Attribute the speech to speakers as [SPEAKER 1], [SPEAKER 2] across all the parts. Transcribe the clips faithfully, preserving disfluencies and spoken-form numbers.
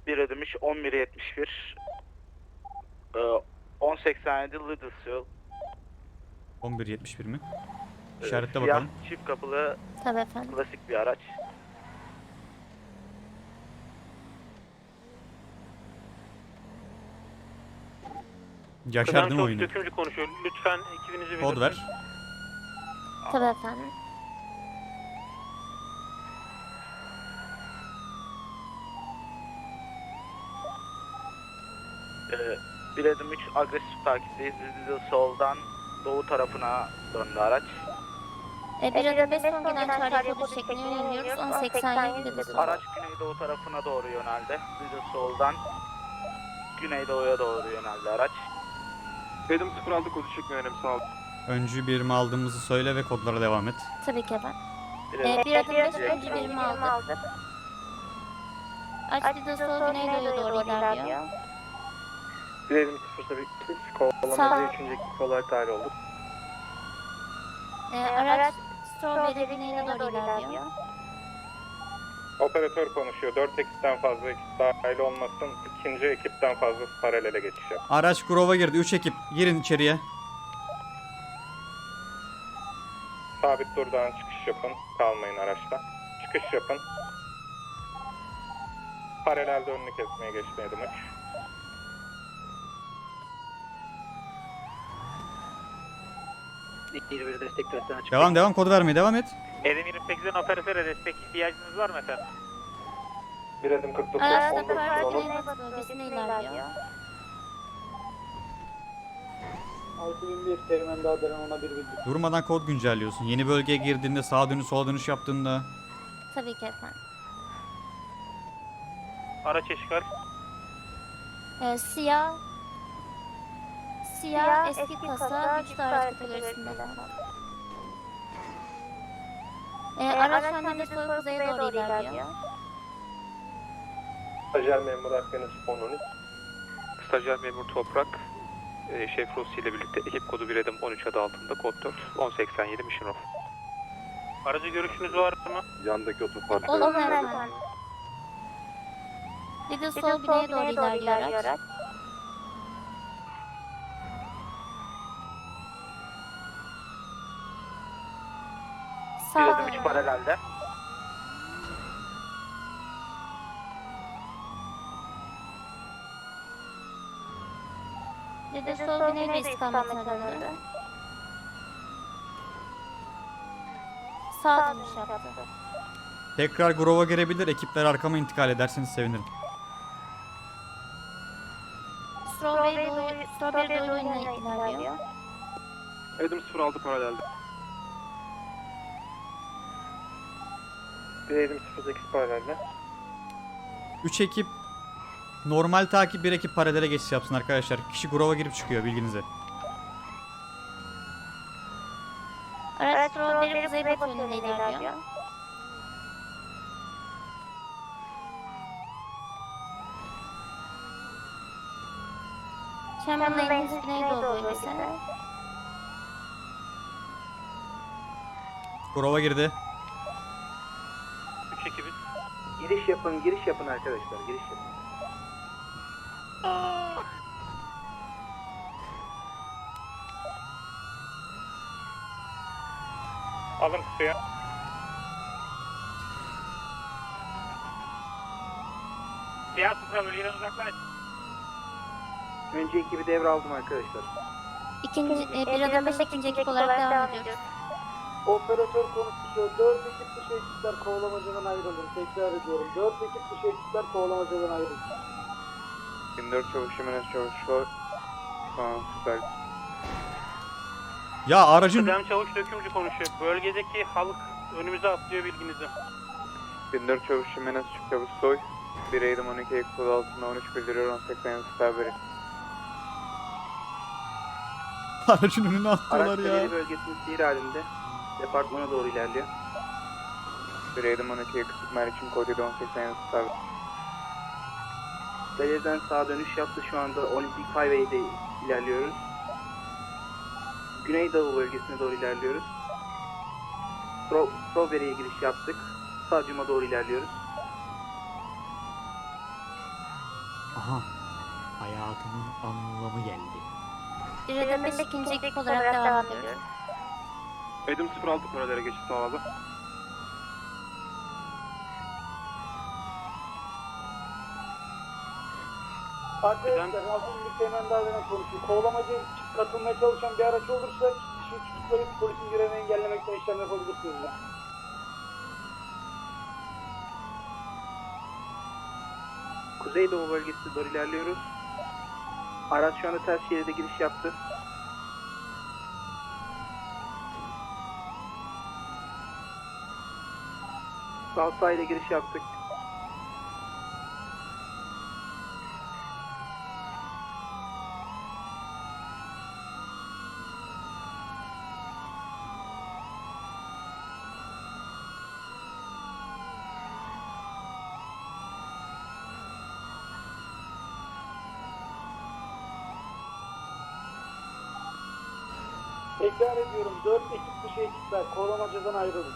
[SPEAKER 1] bir ödemiş on bir yetmiş bir. on seksen yedi Lidl'sville.
[SPEAKER 2] on bir yetmiş bir mi?
[SPEAKER 1] Ee,
[SPEAKER 2] İşaretle
[SPEAKER 1] siyah,
[SPEAKER 2] bakalım.
[SPEAKER 1] çift kapılı
[SPEAKER 3] Tabii efendim.
[SPEAKER 1] klasik bir araç.
[SPEAKER 2] Yaşardım oyunu.
[SPEAKER 4] Dökümcü konuşuyor. Lütfen ekibinizi
[SPEAKER 2] Kod ver.
[SPEAKER 3] Tabii efendim.
[SPEAKER 1] Ee, bir adım üç agresif takipteyiz. Lidl soldan doğu tarafına döndü araç.
[SPEAKER 3] E, bir adım beş son gelen çağrı kodu şeklinde yöneliyoruz. on seksen yedi dedi.
[SPEAKER 1] Araç güneydoğu tarafına doğru yöneldi. Lidl soldan güneydoğuya doğru yöneldi araç.
[SPEAKER 5] Edim sıfır altı kodu çekme önemli sağ ol.
[SPEAKER 2] Öncü birimi aldığımızı söyle ve kodlara devam et.
[SPEAKER 3] Tabii ki efendim.
[SPEAKER 1] Bir
[SPEAKER 3] E,
[SPEAKER 1] adım
[SPEAKER 3] bir adım beş
[SPEAKER 1] direkt
[SPEAKER 3] öncü birimi aldık. Aç bir de sol güneydoğuya doğru ilerliyor.
[SPEAKER 5] Bir Edim sıfır sekiz
[SPEAKER 3] Sağ.
[SPEAKER 5] kovalamada üçüncü ekip olarak dahil olduk.
[SPEAKER 3] E, araç Strawberry güneyine doğru ilerliyor.
[SPEAKER 6] Operatör konuşuyor. dört ekipten fazla ekip dahil olmasın. İkinci ekipten fazlası paralele geçiş yap.
[SPEAKER 2] Araç Grove'a girdi. üç ekip. Girin içeriye.
[SPEAKER 6] Sabit durdan çıkış yapın. Kalmayın araçta. Çıkış yapın. Paralelde önünü kesmeye geçmeye demek.
[SPEAKER 4] bir destek töresine açık.
[SPEAKER 2] Devam devam kodu vermeye devam et.
[SPEAKER 4] Edim yirmi sekizden operatöre destek ihtiyacınız var mı efendim?
[SPEAKER 6] Bir adım kırk dokuz.
[SPEAKER 3] Araç
[SPEAKER 6] on
[SPEAKER 3] da
[SPEAKER 6] dokuz
[SPEAKER 3] Parti
[SPEAKER 6] olun.
[SPEAKER 3] Güneybatı bölgesine ilerliyor.
[SPEAKER 7] altı bin bir Teğmen Dağdar'ın ona bir bildir.
[SPEAKER 2] Durmadan kod güncelliyorsun. Yeni bölgeye girdiğinde sağa dönüş sola dönüş yaptığında.
[SPEAKER 3] Tabii ki efendim.
[SPEAKER 4] Araç eşkal.
[SPEAKER 3] E, siyah Siyah, eski kasa, güçlü araç kategorisinde. E, araç Hanede soy kuzeye doğru ilerliyor.
[SPEAKER 6] Stajyer memur Akdeniz on on üç.
[SPEAKER 5] Stajyer memur Toprak, e, Şef Rossi ile birlikte ekip kodu bir Edim on üç adı altında kod dört on seksen yedi Mission Off.
[SPEAKER 4] Aracı görüşünüz var mı?
[SPEAKER 6] Yandaki otoparkta.
[SPEAKER 3] Olumlu efendim. Lidl sol güneye doğru ilerliyor araç.
[SPEAKER 1] Bir
[SPEAKER 3] Sağ
[SPEAKER 1] adım üç paralelde.
[SPEAKER 3] Lidl sol güneyde istikametine döndü. Sağ dönüş yaptı.
[SPEAKER 2] Tekrar Grove'a girebilir. Ekipler arkama intikal ederseniz sevinirim.
[SPEAKER 3] Strawberry doğu, Strawberry doğu yönüne ilerliyor.
[SPEAKER 5] Edim sıfır altı paralelde.
[SPEAKER 6] Bir Edim sıfır sekiz paralelde.
[SPEAKER 2] üç ekip normal takip, bir ekip paralele geçiş yapsın arkadaşlar. Kişi Grove'a girip çıkıyor bilginize.
[SPEAKER 3] Araç Strawberry kuzeybatı yönünde ilerliyor. Chamberlain Lane'in güneydoğu bölgesi.
[SPEAKER 2] Grove'a girdi.
[SPEAKER 4] üç ekibiz.
[SPEAKER 7] Giriş yapın, giriş yapın arkadaşlar, giriş yapın.
[SPEAKER 6] Alın suya.
[SPEAKER 4] Siyah sıfır bölgeden uzaklaş.
[SPEAKER 7] Önce ekibi devraldım arkadaşlar.
[SPEAKER 3] İkinci, e, bir adım beş ikinci ekip olarak devam ediyoruz.
[SPEAKER 7] Operatör konuşuyor. Dört ekip dışı ekipler kovalamacadan ayrılın. Tekrar ediyorum. Dört ekip dışı ekipler kovalamacadan ayrılın.
[SPEAKER 6] yirmi dört çavuş Jimenez çavuş. Tamam süper.
[SPEAKER 2] Ya aracın
[SPEAKER 4] Kıdem çavuş dökümcü konuşuyor. Bölgedeki halk önümüze atlıyor bilginizi.
[SPEAKER 6] yirmi dört çavuş Jimenez çavuş soy. bir Edim on iki ekip kodu altında on üç bildiriyor on seksen yedi Starberry.
[SPEAKER 2] aracın önüne attılar
[SPEAKER 7] Araç
[SPEAKER 2] ya.
[SPEAKER 7] Teleri bölgesinin sihir halinde. Departmana doğru ilerliyor.
[SPEAKER 6] bir Edim on iki ekip Meriç'in kodu on seksen yedi Starberry.
[SPEAKER 7] Telerden sağa dönüş yaptı. Şu anda Olympic Highway'de ilerliyoruz. Güneydoğu bölgesine doğru ilerliyoruz. Stro Strawberry'e giriş yaptık. Stadyuma doğru ilerliyoruz.
[SPEAKER 2] Aha. Hayatımın anlamı geldi.
[SPEAKER 3] Bir adım beş ikinci ekip olarak devam ediyoruz.
[SPEAKER 5] Edim sıfır altı paralele geçiş sağladı.
[SPEAKER 7] Arkadaşlar az önce hemen daha demin konuştuk. Kovalamacı katılmaya çalışan bir araç olursa kişi tutuklayıp polisin görevini engellemekten işlem yapabilirsiniz.
[SPEAKER 1] Kuzeydoğu bölgesine doğru ilerliyoruz. Araç şu anda ters şeride giriş yaptı. Sağ sahile giriş yaptık.
[SPEAKER 7] Tekrar ediyorum. dört ekip dışı ekipler kovalamacadan ayrılın.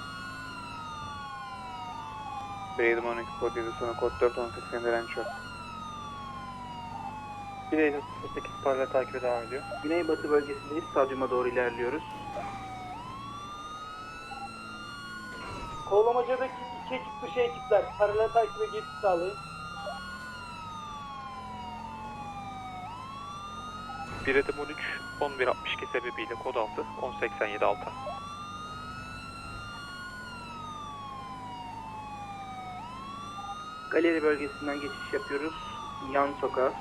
[SPEAKER 6] bir Edim on iki kod yedi sonra kod dört on seksen direnç yok.
[SPEAKER 4] bir Edim sıfır sekiz paralel takibe devam ediyor.
[SPEAKER 1] Güneybatı bölgesindeyiz. Stadyuma doğru ilerliyoruz.
[SPEAKER 7] Kovalamacadaki iki ekip dışı ekipler paralel takibe geçiş sağlayın.
[SPEAKER 5] bir Edim on üç on bir altmış iki sebebiyle kod altı on seksen yedi altı.
[SPEAKER 1] Galeri bölgesinden geçiş yapıyoruz. Yan sokağa.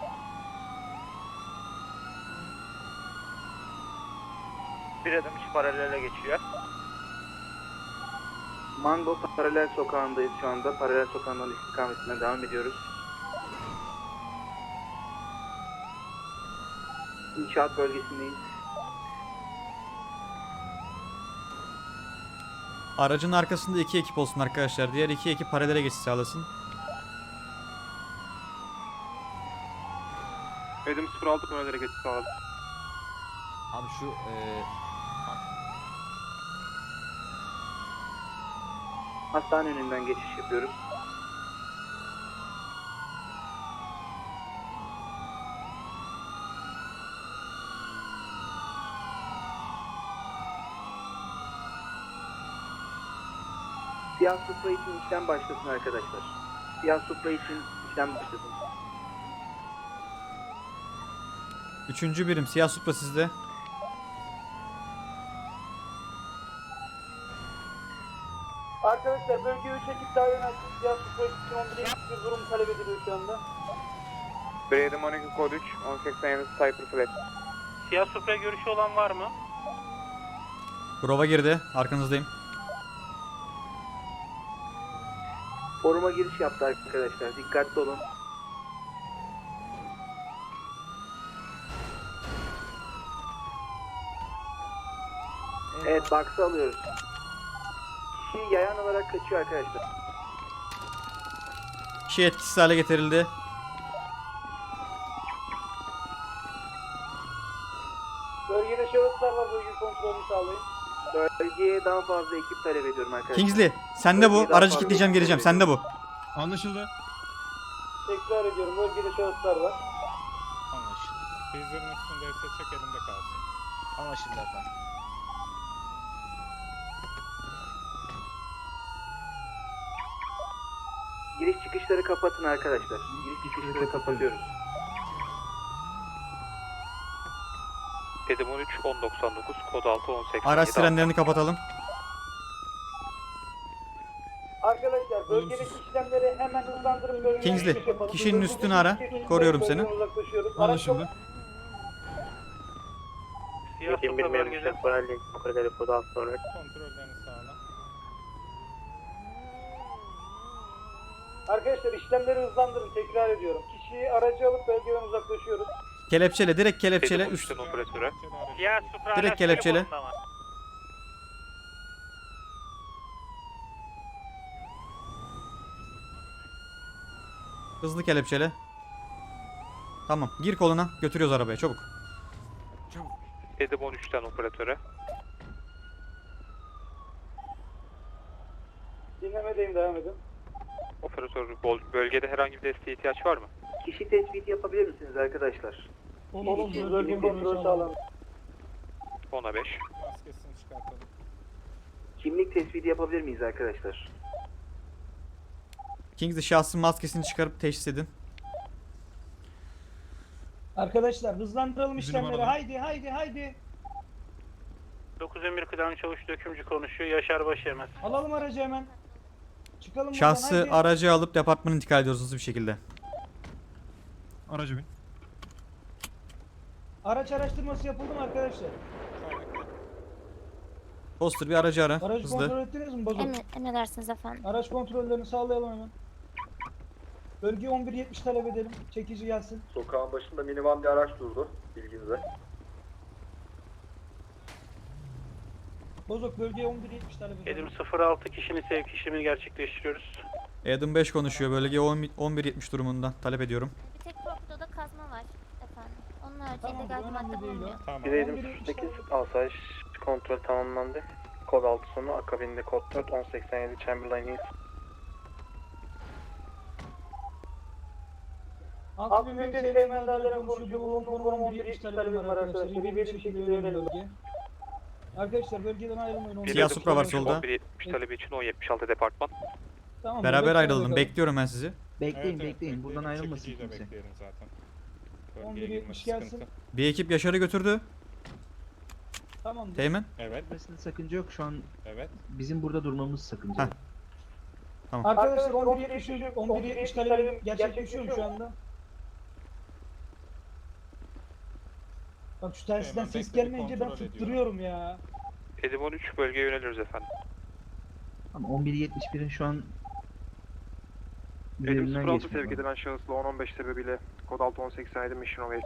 [SPEAKER 1] Bir adım iç paralele geçiyor. Mango paralel sokağındayız şu anda. Paralel sokağından istikametine devam ediyoruz. İnşaat bölgesindeyiz.
[SPEAKER 2] Aracın arkasında iki ekip olsun arkadaşlar. Diğer iki ekip paralele geçiş sağlasın.
[SPEAKER 5] Edim sıfır altı paralele geçiş sağladı.
[SPEAKER 8] Abi şu eee
[SPEAKER 1] Hastane önünden geçiş yapıyoruz. Siyah Supra için işlem başlasın arkadaşlar. Siyah Supra için işlem başlasın.
[SPEAKER 2] Üçüncü birim siyah Supra sizde.
[SPEAKER 7] Arkadaşlar bölge üç ekip daha yönelsin. Siyah Supra için on bir ekip bir durum talep ediliyor şu anda.
[SPEAKER 6] bir Edim on iki kod üç on seksen yedi Cyper Flat.
[SPEAKER 4] Siyah Supra görüşü olan var mı?
[SPEAKER 2] Grova girdi. Arkanızdayım.
[SPEAKER 1] Foruma giriş yaptı arkadaşlar. Dikkatli olun. Evet, box'ı alıyoruz. Kişi yayan olarak kaçıyor arkadaşlar.
[SPEAKER 2] Kişi etkisiz hale getirildi.
[SPEAKER 7] Bölgede şahıslar var, bölge kontrolünü sağlayın.
[SPEAKER 1] Bölgeye daha fazla ekip talep ediyorum arkadaşlar.
[SPEAKER 2] Kingsley sende bu.
[SPEAKER 1] Bölgeyi daha
[SPEAKER 2] Aracı
[SPEAKER 1] fazla
[SPEAKER 2] kilitleyeceğim
[SPEAKER 1] ekip
[SPEAKER 2] geleceğim.
[SPEAKER 1] talep
[SPEAKER 2] Sende bu.
[SPEAKER 8] anlaşıldı.
[SPEAKER 7] Tekrar ediyorum, bölgede şahıslar var.
[SPEAKER 9] Anlaşıldı. Bizlerin üstündeyse çek elimde kalsın.
[SPEAKER 8] Anlaşıldı efendim.
[SPEAKER 1] Giriş çıkışları kapatın arkadaşlar. Giriş çıkışları kapatıyoruz.
[SPEAKER 5] Edim on üç on doksan dokuz kod altı on seksen yedi
[SPEAKER 2] Araç
[SPEAKER 5] altı.
[SPEAKER 2] sirenlerini kapatalım.
[SPEAKER 7] Arkadaşlar bölgedeki işlemleri hemen hızlandırın. Bölgeye
[SPEAKER 2] Kingsley,
[SPEAKER 7] geçiş yapalım.
[SPEAKER 2] kişinin
[SPEAKER 7] Bölgedeki
[SPEAKER 2] üstünü ara.
[SPEAKER 7] ekipler
[SPEAKER 2] Koruyorum
[SPEAKER 7] bölgeden
[SPEAKER 2] seni.
[SPEAKER 7] uzaklaşıyoruz.
[SPEAKER 8] Anlaşıldı.
[SPEAKER 4] Siyah Supra bölgede.
[SPEAKER 9] Kontrollerini sağla.
[SPEAKER 7] Arkadaşlar işlemleri hızlandırın, tekrar ediyorum. Kişiyi aracı alıp bölgeden uzaklaşıyoruz.
[SPEAKER 2] Kelepçele, direkt kelepçele.
[SPEAKER 5] Edim on
[SPEAKER 2] Üst.
[SPEAKER 5] üçten operatöre.
[SPEAKER 4] Siyah Supra
[SPEAKER 2] Direkt
[SPEAKER 4] araç
[SPEAKER 2] kelepçeli.
[SPEAKER 4] konumunda var.
[SPEAKER 2] Hızlı kelepçele. Tamam. Gir koluna. Götürüyoruz arabaya. Çabuk.
[SPEAKER 5] Edim on üçten operatöre.
[SPEAKER 7] Dinlemedeyim, devam edin.
[SPEAKER 5] Operatör bol- bölgede herhangi bir desteğe ihtiyaç var mı?
[SPEAKER 1] Kişi tespiti yapabilir misiniz arkadaşlar?
[SPEAKER 7] Olumsuz bölge kontrolü sağlandı.
[SPEAKER 5] ona beş.
[SPEAKER 9] Maskesini çıkartalım.
[SPEAKER 1] Kimlik tespiti yapabilir miyiz arkadaşlar?
[SPEAKER 2] Kingsley şahsın maskesini çıkarıp teşhis edin.
[SPEAKER 7] Arkadaşlar hızlandıralım
[SPEAKER 8] Bizim
[SPEAKER 7] işlemleri.
[SPEAKER 8] numaralı.
[SPEAKER 7] Haydi haydi haydi.
[SPEAKER 4] dokuz on bir kıdem çavuş dökümcü konuşuyor. Yaşar Başyemez.
[SPEAKER 7] Alalım aracı hemen. Çıkalım buradan
[SPEAKER 2] Şahsı
[SPEAKER 7] haydi.
[SPEAKER 2] aracı alıp departmana intikal ediyoruz hızlı bir şekilde.
[SPEAKER 8] Aracı bin.
[SPEAKER 7] Araç araştırması yapıldı mı arkadaşlar?
[SPEAKER 2] Foster bir aracı ara.
[SPEAKER 7] Aracı
[SPEAKER 2] Hızlı.
[SPEAKER 7] kontrol ettiniz mi bozuk?
[SPEAKER 3] Emre, emredersiniz efendim.
[SPEAKER 7] Araç kontrollerini sağlayalım hemen. Bölge on bir yetmiş talep edelim. Çekici gelsin.
[SPEAKER 10] Sokağın başında minivan bir araç durdu bilginize.
[SPEAKER 7] Bozuk bölgeye on bir yetmiş talep edelim.
[SPEAKER 4] Edim sıfır altı kişinin sevk işlemini gerçekleştiriyoruz.
[SPEAKER 2] Adam beş konuşuyor. Bölge on bir yetmiş durumunda. Talep ediyorum.
[SPEAKER 3] Bir tek torpidoda kazma var efendim. Onun haricinde
[SPEAKER 7] Tamam,
[SPEAKER 3] illegal
[SPEAKER 7] bu önemli
[SPEAKER 3] madde
[SPEAKER 7] değil o.
[SPEAKER 3] bulunmuyor.
[SPEAKER 9] Tamam.
[SPEAKER 7] Bir Edim sıfır sekiz
[SPEAKER 6] asayiş kontrol tamamlandı. Kod altı sonu akabinde kod dört on seksen yedi Chamberlain East.
[SPEAKER 7] Altı bin beş Seymen Dağları'nın konuşucu bulunduğu konum on bir yetmiş talebim var arkadaşlar. İyi bir şekilde yönelim bölge. Arkadaşlar bölgeden ayrılmayın.
[SPEAKER 5] Bir
[SPEAKER 2] Siyah
[SPEAKER 5] adım
[SPEAKER 2] Supra var
[SPEAKER 5] sonucu
[SPEAKER 2] solda.
[SPEAKER 5] on bir yetmiş talebi için on yetmiş altı departman.
[SPEAKER 7] Tamam,
[SPEAKER 2] Beraber
[SPEAKER 7] bekle
[SPEAKER 2] ayrılalım.
[SPEAKER 7] bakalım.
[SPEAKER 2] Bekliyorum ben sizi.
[SPEAKER 8] Bekleyin
[SPEAKER 9] Evet, evet,
[SPEAKER 8] bekleyin. Buradan ayrılmasın
[SPEAKER 9] Çekiciyi de
[SPEAKER 8] kimse.
[SPEAKER 9] bekleyelim zaten.
[SPEAKER 7] on bir
[SPEAKER 9] Bölgeye
[SPEAKER 7] yetmiş
[SPEAKER 9] girmesi
[SPEAKER 7] gelsin.
[SPEAKER 9] sıkıntı.
[SPEAKER 2] Bir ekip Yaşar'ı götürdü.
[SPEAKER 7] Tamam.
[SPEAKER 2] Teğmen.
[SPEAKER 9] Evet,
[SPEAKER 8] Gitmesinde sakınca yok. Şu an
[SPEAKER 9] evet.
[SPEAKER 8] bizim burada durmamız sakınca.
[SPEAKER 2] Heh.
[SPEAKER 7] Arkadaşlar on bir yetmiş on bir yetmiş talebim gerçekleşiyor mu şu anda? Bak şu telsizden
[SPEAKER 9] Hemen
[SPEAKER 7] ses
[SPEAKER 9] bekle, bir
[SPEAKER 7] gelmeyince ben
[SPEAKER 9] kontrol
[SPEAKER 7] tutturuyorum ya.
[SPEAKER 5] Edim on üç bölgeye yöneliyoruz efendim.
[SPEAKER 8] Ama on bir yetmiş birin şu an
[SPEAKER 10] Edim
[SPEAKER 8] üzerinden
[SPEAKER 10] sıfır altı
[SPEAKER 8] geçmiyor.
[SPEAKER 10] sevk edilen şahısla on on beş sebebiyle kod altı on seksen yedi Mission Away.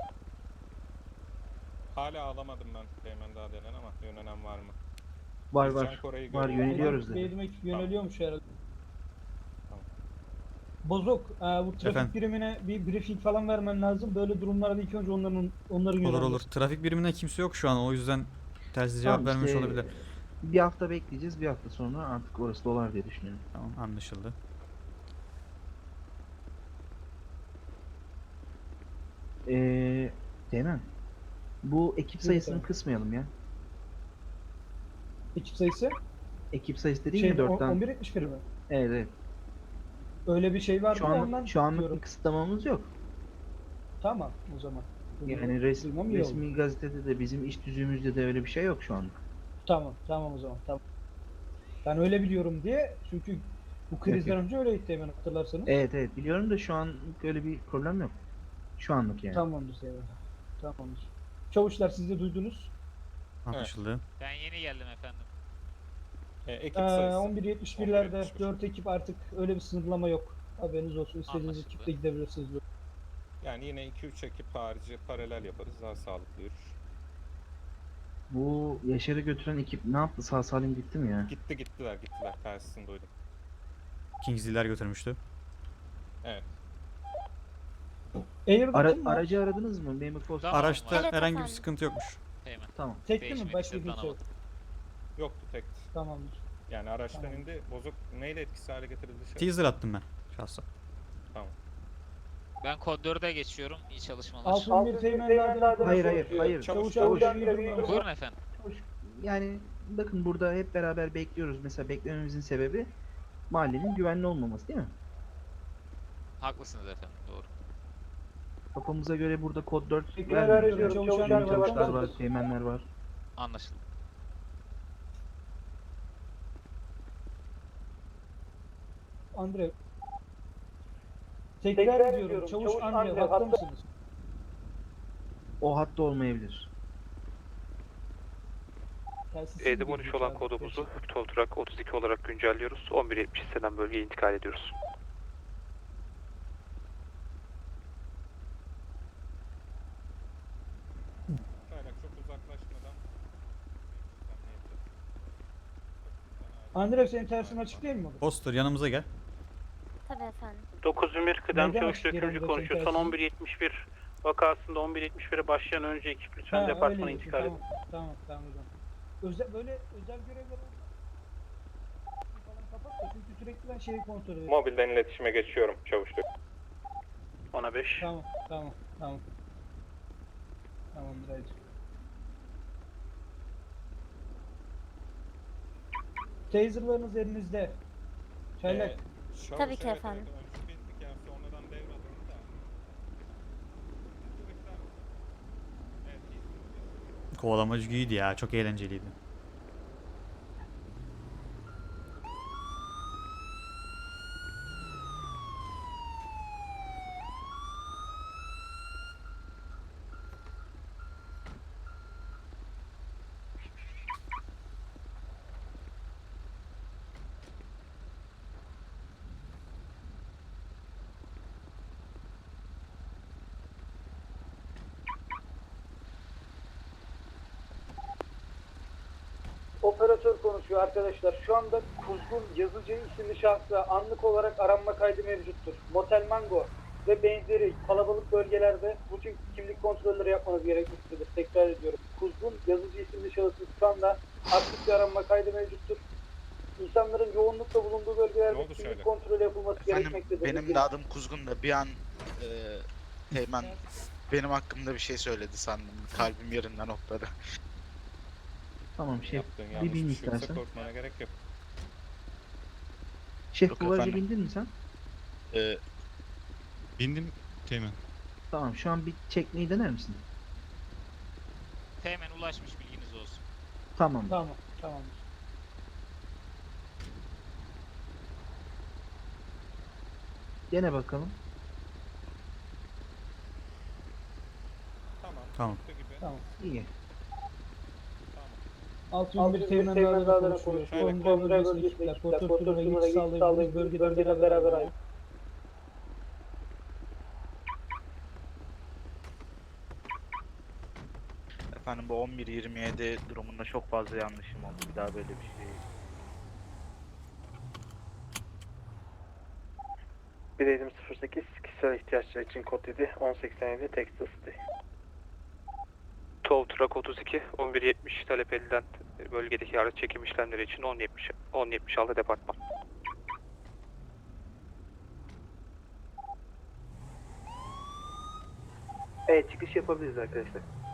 [SPEAKER 9] Hala alamadım ben Teğmen daha denen ama yönelen var mı?
[SPEAKER 8] Var
[SPEAKER 9] Biz
[SPEAKER 8] var.
[SPEAKER 9] Can Koray'ı
[SPEAKER 8] Var
[SPEAKER 9] görüyoruz.
[SPEAKER 8] yöneliyoruz dedi.
[SPEAKER 7] Benim ekip yöneliyormuş herhalde.
[SPEAKER 9] Tamam.
[SPEAKER 7] Bozuk, e, bu trafik
[SPEAKER 2] Efendim?
[SPEAKER 7] birimine bir briefing falan vermen lazım. Böyle durumlarda ilk önce onların onların
[SPEAKER 2] Olur
[SPEAKER 7] yönelmesi.
[SPEAKER 2] olur. Trafik biriminde kimse yok şu an. O yüzden telsiz cevap
[SPEAKER 8] Tamam,
[SPEAKER 2] vermemiş
[SPEAKER 8] işte
[SPEAKER 2] olabilir.
[SPEAKER 8] Bir hafta bekleyeceğiz. Bir hafta sonra artık orası dolar diye düşünüyorum.
[SPEAKER 2] Tamam anlaşıldı.
[SPEAKER 8] Eee Teğmen. Bu ekip sayısını
[SPEAKER 7] efendim.
[SPEAKER 8] kısmayalım ya.
[SPEAKER 7] Ekip sayısı?
[SPEAKER 8] Ekip sayısı dediğin
[SPEAKER 7] Şey,
[SPEAKER 8] ya dörtten.
[SPEAKER 7] on bir yetmiş bir mi?
[SPEAKER 8] Evet evet.
[SPEAKER 7] Öyle bir şey var
[SPEAKER 8] Şu
[SPEAKER 7] mı
[SPEAKER 8] an
[SPEAKER 7] ondan
[SPEAKER 8] şu anlık
[SPEAKER 7] diyorum.
[SPEAKER 8] bir kısıtlamamız yok.
[SPEAKER 7] Tamam o zaman. Bunu
[SPEAKER 8] Yani res,
[SPEAKER 7] duymam iyi oldu.
[SPEAKER 8] resmi gazetede de bizim iş düzüğümüzde de öyle bir şey yok şu anlık.
[SPEAKER 7] Tamam tamam o zaman tamam. Ben öyle biliyorum diye çünkü bu krizden
[SPEAKER 8] yok.
[SPEAKER 7] önce öyleydi hemen hatırlarsanız.
[SPEAKER 8] Evet evet biliyorum da şu an öyle bir problem yok. Şu anlık yani.
[SPEAKER 7] Tamamdır Seymen. Tamamdır. Çavuşlar siz de duydunuz.
[SPEAKER 2] Anlaşıldı.
[SPEAKER 11] Ben yeni geldim efendim.
[SPEAKER 9] E, ekip
[SPEAKER 7] Ee,
[SPEAKER 9] sayısı.
[SPEAKER 7] on bir yetmiş birlerde
[SPEAKER 9] on bir yetmiş bir.
[SPEAKER 7] dört ekip artık öyle bir sınırlama yok. Haberiniz olsun. İstediğiniz
[SPEAKER 11] Anlaşıldı.
[SPEAKER 7] ekiple gidebilirsiniz.
[SPEAKER 9] Yani yine iki üç ekip harici paralel yaparız. Daha sağlıklı yürür.
[SPEAKER 8] Bu Yaşar'ı götüren ekip ne yaptı? Sağ salim gitti mi ya?
[SPEAKER 9] Gitti gittiler gittiler. Tersini duydum.
[SPEAKER 2] Kingsley'ler götürmüştü.
[SPEAKER 9] Evet.
[SPEAKER 7] Airbag'ın
[SPEAKER 8] Ara,
[SPEAKER 7] mı?
[SPEAKER 8] aracı aradınız mı? Memur Foster.
[SPEAKER 11] Tamam.
[SPEAKER 2] Araçta
[SPEAKER 3] Evet,
[SPEAKER 2] herhangi bir
[SPEAKER 3] efendim.
[SPEAKER 2] sıkıntı yokmuş.
[SPEAKER 11] Teğmen.
[SPEAKER 8] Tamam.
[SPEAKER 7] Tekli mi?
[SPEAKER 11] Değişmedi,
[SPEAKER 7] Başka
[SPEAKER 11] sırttan
[SPEAKER 7] kimse yok.
[SPEAKER 11] alamadım.
[SPEAKER 9] Yoktu tekti.
[SPEAKER 7] Tamamdır.
[SPEAKER 9] Yani araçtan
[SPEAKER 7] Tamam.
[SPEAKER 9] indi. Bozuk neyle etkisiz hale getirildi şey?
[SPEAKER 2] Teaser attım ben şahsa.
[SPEAKER 11] Ben kod dörde geçiyorum. İyi çalışmalar.
[SPEAKER 7] Altın bir teğmenlerden
[SPEAKER 8] Hayır hayır hayır.
[SPEAKER 9] Çavuş,
[SPEAKER 7] Çavuş
[SPEAKER 9] çavuş.
[SPEAKER 7] çavuş.
[SPEAKER 11] Buyurun efendim.
[SPEAKER 8] Yani bakın burada hep beraber bekliyoruz. Mesela beklememizin sebebi mahallenin güvenli olmaması değil mi?
[SPEAKER 11] Haklısınız efendim. Doğru.
[SPEAKER 8] Kafamıza göre burada kod dört
[SPEAKER 7] Tekrar
[SPEAKER 8] vermiyoruz.
[SPEAKER 7] arıyorum.
[SPEAKER 8] Yani
[SPEAKER 7] Çavuşlar var,
[SPEAKER 8] çavuşlar
[SPEAKER 7] bakar
[SPEAKER 8] var,
[SPEAKER 7] mısınız?
[SPEAKER 8] teğmenler var.
[SPEAKER 11] Anlaşıldı.
[SPEAKER 7] Andre. Tekrar ediyorum. Çavuş Andre. Hatta mısınız?
[SPEAKER 8] O hatta olmayabilir.
[SPEAKER 7] Telsiz
[SPEAKER 5] Edim on
[SPEAKER 7] siz
[SPEAKER 5] üç olan
[SPEAKER 7] abi.
[SPEAKER 5] kodumuzu Toltrak otuz iki olarak güncelliyoruz. on bir yetmiş istenen bölgeye intikal ediyoruz.
[SPEAKER 9] Kaynak çok uzaklaşmadan.
[SPEAKER 7] Andre senin tersin açık değil mi?
[SPEAKER 2] Foster yanımıza gel.
[SPEAKER 3] Tabii efendim.
[SPEAKER 4] dokuz on bir kıdem
[SPEAKER 7] Neden
[SPEAKER 4] çavuş
[SPEAKER 7] açık
[SPEAKER 4] dökümcü
[SPEAKER 7] yerinde
[SPEAKER 4] konuşuyor. Son
[SPEAKER 7] çekersin?
[SPEAKER 4] on bir yetmiş bir vakasında on bir yetmiş bire başlayan önce ekip lütfen
[SPEAKER 7] Ha,
[SPEAKER 4] departmana
[SPEAKER 7] öyle
[SPEAKER 4] intikal edin.
[SPEAKER 7] Tamam tamam tamam hocam. Özel, böyle özel görevler olsa falan kapat da çünkü sürekli ben şeyi kontrol ediyorum.
[SPEAKER 10] Mobilden iletişime geçiyorum çavuş.
[SPEAKER 4] ona beş.
[SPEAKER 7] Tamam, tamam, tamam. Tamamdır Aycı. Taser'larınız elinizde. Çaylak.
[SPEAKER 9] Ee, şahıs,
[SPEAKER 3] Tabii ki
[SPEAKER 9] evet,
[SPEAKER 3] efendim.
[SPEAKER 9] Evet, öncü bildik yani sonradan devralındı da. Evet, iyisiniz.
[SPEAKER 2] Kovalamacı iyiydi ya. Çok eğlenceliydi.
[SPEAKER 7] Operatör konuşuyor arkadaşlar. Şu anda Kuzgun Yazıcı isimli şahsa anlık olarak aranma kaydı mevcuttur. Motel Mango ve benzeri kalabalık bölgelerde rutin kimlik kontrolleri yapmanız gerekmektedir. Tekrar ediyorum. Kuzgun Yazıcı isimli şahısın şu anda aktif bir aranma kaydı mevcuttur. İnsanların yoğunlukla bulunduğu
[SPEAKER 9] Ne
[SPEAKER 7] bölgelerde
[SPEAKER 9] oldu
[SPEAKER 7] kimlik
[SPEAKER 9] şöyle?
[SPEAKER 7] kontrolü yapılması
[SPEAKER 1] Efendim
[SPEAKER 7] gerekmektedir.
[SPEAKER 1] benim de adım Kuzgun da bir an e, Teğmen benim hakkımda bir şey söyledi sandım. Kalbim yerinden hopladı.
[SPEAKER 8] Tamam şef.
[SPEAKER 9] Yaptığın
[SPEAKER 8] Bir
[SPEAKER 9] yanlış
[SPEAKER 8] bin
[SPEAKER 9] bir şey yoksa
[SPEAKER 8] istersen.
[SPEAKER 9] korkmana gerek yok.
[SPEAKER 8] Şef
[SPEAKER 1] Yok
[SPEAKER 8] bu araca
[SPEAKER 1] efendim.
[SPEAKER 8] bindin mi sen?
[SPEAKER 1] E,
[SPEAKER 12] Bindim Teğmen.
[SPEAKER 8] Tamam şu an bir çekmeyi dener misin?
[SPEAKER 11] Teğmen ulaşmış, bilginiz olsun.
[SPEAKER 8] Tamam.
[SPEAKER 7] Tamam, tamam.
[SPEAKER 8] Dene bakalım.
[SPEAKER 9] Tamam.
[SPEAKER 2] Tamam.
[SPEAKER 9] çıktı gibi.
[SPEAKER 7] Tamam.
[SPEAKER 8] İyi.
[SPEAKER 9] Tamam.
[SPEAKER 7] altı yüz bir Teğmen Dağları'na konuşuyor.
[SPEAKER 9] Şöyle
[SPEAKER 7] Kontrol bölgesine ekipler. Portör numara geçiş sağlayabiliriz. Bölgeden beraber ayrı.
[SPEAKER 1] efendim bu on bir yirmi yedi durumunda çok fazla yanlışım oldu. Bir daha böyle bir şey.
[SPEAKER 10] Bir Eğitim sıfır sekiz kişisel ihtiyaçlar için kod yedi on seksen yedi Texas City.
[SPEAKER 5] Tow Truck otuz iki on bir yetmiş talep edilen bölgedeki araç çekim işlemleri için on yetmiş on yetmiş altı departman.
[SPEAKER 6] Evet çıkış yapabiliriz arkadaşlar.